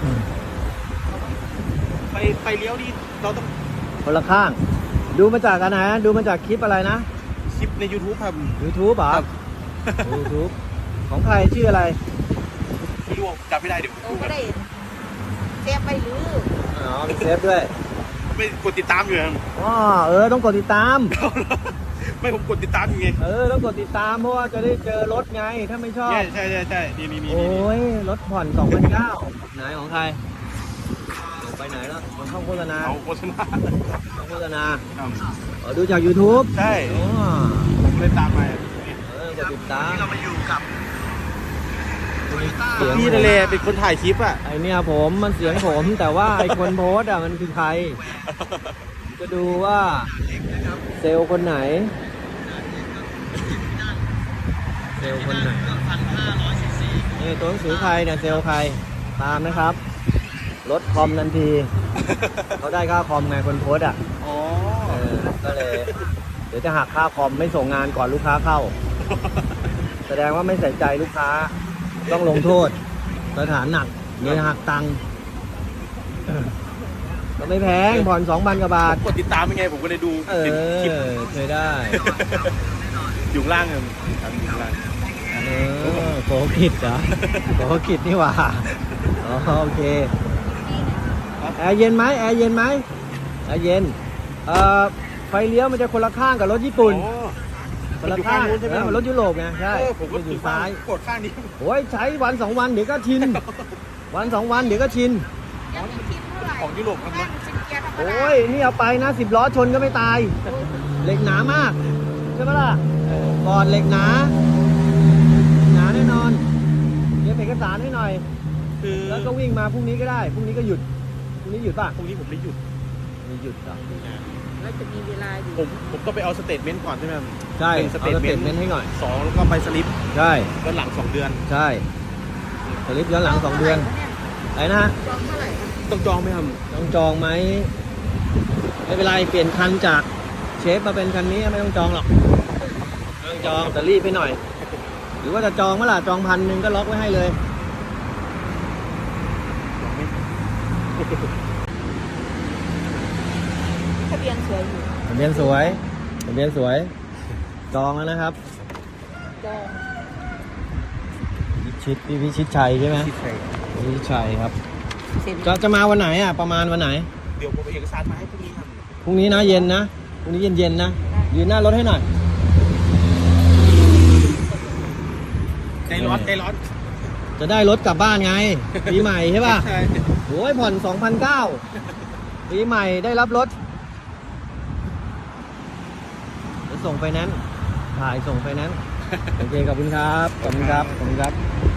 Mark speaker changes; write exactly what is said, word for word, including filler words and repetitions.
Speaker 1: ไปไปเลี้ยวนี่เราต้อง
Speaker 2: คนละข้าง ดูมาจากกันนะดูมาจากคลิปอะไรนะ
Speaker 1: คลิปใน YouTube ครับ
Speaker 2: YouTube เหรอ
Speaker 1: ครับ
Speaker 2: YouTube ของใครชื่ออะไร
Speaker 1: ไม่รู้จำไม่ได้เดี๋ยว
Speaker 3: เราก็ได้เซฟไปหรือ
Speaker 2: อ๋อมีเซฟด้วย
Speaker 1: ไม่กดติดตามอยู่ครับ
Speaker 2: อ๋อเออต้องกดติดตาม
Speaker 1: ไม่ผมกดติดตามอยู่ไง
Speaker 2: เออต้องกดติดตามเพราะว่าจะได้เจอรถไงถ้าไม่ชอบ
Speaker 1: ใช่ใช่ใช่ใช่นี่นี่นี่
Speaker 2: โอ้ยรถผ่อน สองพันเก้าร้อย ไหนของใครลงไปไหนแล้วมันเข้าโฆษณา
Speaker 1: เอาโฆษณา
Speaker 2: เข้าโฆษณา
Speaker 1: ครับ
Speaker 2: เออดูจาก YouTube
Speaker 1: ใช่
Speaker 2: อ๋อ
Speaker 1: ผมเลยตามมา
Speaker 2: เออกดติดตาม
Speaker 1: เรามาอยู่กับ
Speaker 2: เสียง
Speaker 1: พี่ทะเลเป็นคนถ่ายคลิปอ่ะ
Speaker 2: ไอเนี่ยผมมันเสียงผมแต่ว่าไอคนโพสต์อ่ะมันคือใครจะดูว่าเซลล์คนไหน เซลล์คนไหนนี่ตัวหนังสือใครเนี่ยเซลล์ใครตามนะครับลดคอมทันทีเขาได้ค่าคอมไงคนโพสต์อ่ะ
Speaker 1: อ๋อ
Speaker 2: เออก็เลยเดี๋ยวจะหักค่าคอมไม่ส่งงานก่อนลูกค้าเข้า แสดงว่าไม่ใส่ใจลูกค้าต้องลงโทษสถานหนักเดี๋ยวหักตังค์เออก็ไม่แพงผ่อนสองพันกว่าบาท
Speaker 1: กดติดตามยังไงผมก็เลยดู
Speaker 2: เอ
Speaker 1: เป็นคลิป
Speaker 2: อเคยได้
Speaker 1: อยู่ข้างล่างครับอยู่ข้างล่าง
Speaker 2: เออโกกิดเหรอโกกิดนี่หว่าอ๋อโอเคแอร์เย็นไหมแอร์เย็นไหมแอร์เย็นเอ่อไฟเลี้ยวมันจะคนละข้างกับรถญี่ปุ่น
Speaker 1: อ๋อ
Speaker 2: คนละข้าง
Speaker 1: มันอยู่ข้างนู้นใช่ไหม
Speaker 2: เออมันรถยุโรปไงใช่
Speaker 1: เออผมก็
Speaker 2: มันอ
Speaker 1: อยู่
Speaker 2: ยู่
Speaker 1: ซ้า
Speaker 2: ซ้าย ย
Speaker 1: กดข้างนี้
Speaker 2: โอ้ยใช้วันสองวันเดี๋ยวก็ชิน วันสองวันเดี๋ยวก็ชิน
Speaker 3: ยังไม่คิดเท่าไหร่
Speaker 1: ของยุโรปครับ
Speaker 3: นั่งเป็นเกียร์ธรรมดา
Speaker 2: โอ้ยนี่เอาไปนะสิบล้อชนก็ไม่ตาย เหล็กหนามากใช่ไหมล่ะก่อนเหล็กหนาหนาแน่นอนเดี๋ยวเอกสารให้หน่อย
Speaker 1: คือ
Speaker 2: แล้วก็วิ่งมาพรุ่งนี้ก็ได้พรุ่งนี้ก็หยุดพรุ่งนี้หยุดป่ะ
Speaker 1: พรุ่งนี้ผมไม่หยุด
Speaker 2: มีหยุดเหรอ
Speaker 3: แล้วจะมีเวลาอยู่
Speaker 1: ผมผมต้องไปเอาสเตทเมนต์ก่อนใช่ไหมครับ
Speaker 2: ใช่
Speaker 1: เป็นส
Speaker 2: เอา
Speaker 1: เตท
Speaker 2: ส
Speaker 1: เม
Speaker 2: เต
Speaker 1: น
Speaker 2: ท
Speaker 1: ต์
Speaker 2: เมนต์ให้หน่อย
Speaker 1: สองแล้วก็ไปสลิป
Speaker 2: ใช่
Speaker 1: ย้อนหลังสองเดือน
Speaker 2: ใช่สลิปย้อนหลังสองเดือนอะไรนะฮะ
Speaker 3: จองเท่าไหร่คะ
Speaker 1: ต้องจองไหมครับ
Speaker 2: ต้องจองไหมไม่เป็นไรเปลี่ยนคันจากเชฟมาเป็นคันนี้ไม่ต้องจองหรอกไม่ต้องจองแต่รีบไปหน่อย หรือว่าจะจองเมื่อไหร่จองพันหนึ่งก็ล็อกไว้ให้เลย
Speaker 3: ทะเบียนสวยอยู่
Speaker 2: ทะเบียนสวยทะเบียนสวยจองแล้วนะครับ
Speaker 3: จอง
Speaker 2: พิชิตพี่พิชิตชัยใช่ไหม
Speaker 1: ที่ใคร
Speaker 2: พิชิตชัยครับ
Speaker 3: เซ็น
Speaker 2: จะจะมาวันไหนอ่ะประมาณวันไหน
Speaker 1: เดี๋ยวผมเอาเอกสารมาให้พรุ่งนี้ครับ
Speaker 2: พรุ่งนี้นะเย็นนะพรุ่งนี้เย็นเย็นๆนะยืนหน้ารถให้หน่อย
Speaker 1: ใจร้อนใจร้อน
Speaker 2: จะได้รถกลับบ้านไง ปีใหม่ใช่ป่ะ
Speaker 1: ใช่
Speaker 2: โอ้ยผ่อนสองพันเก้าปีใหม่ได้รับรถจะส่งไฟแนนซ์ถ่ายส่งไฟแนนซ์โอเคขอบคุณครับขอบคุณครับขอบคุณครับ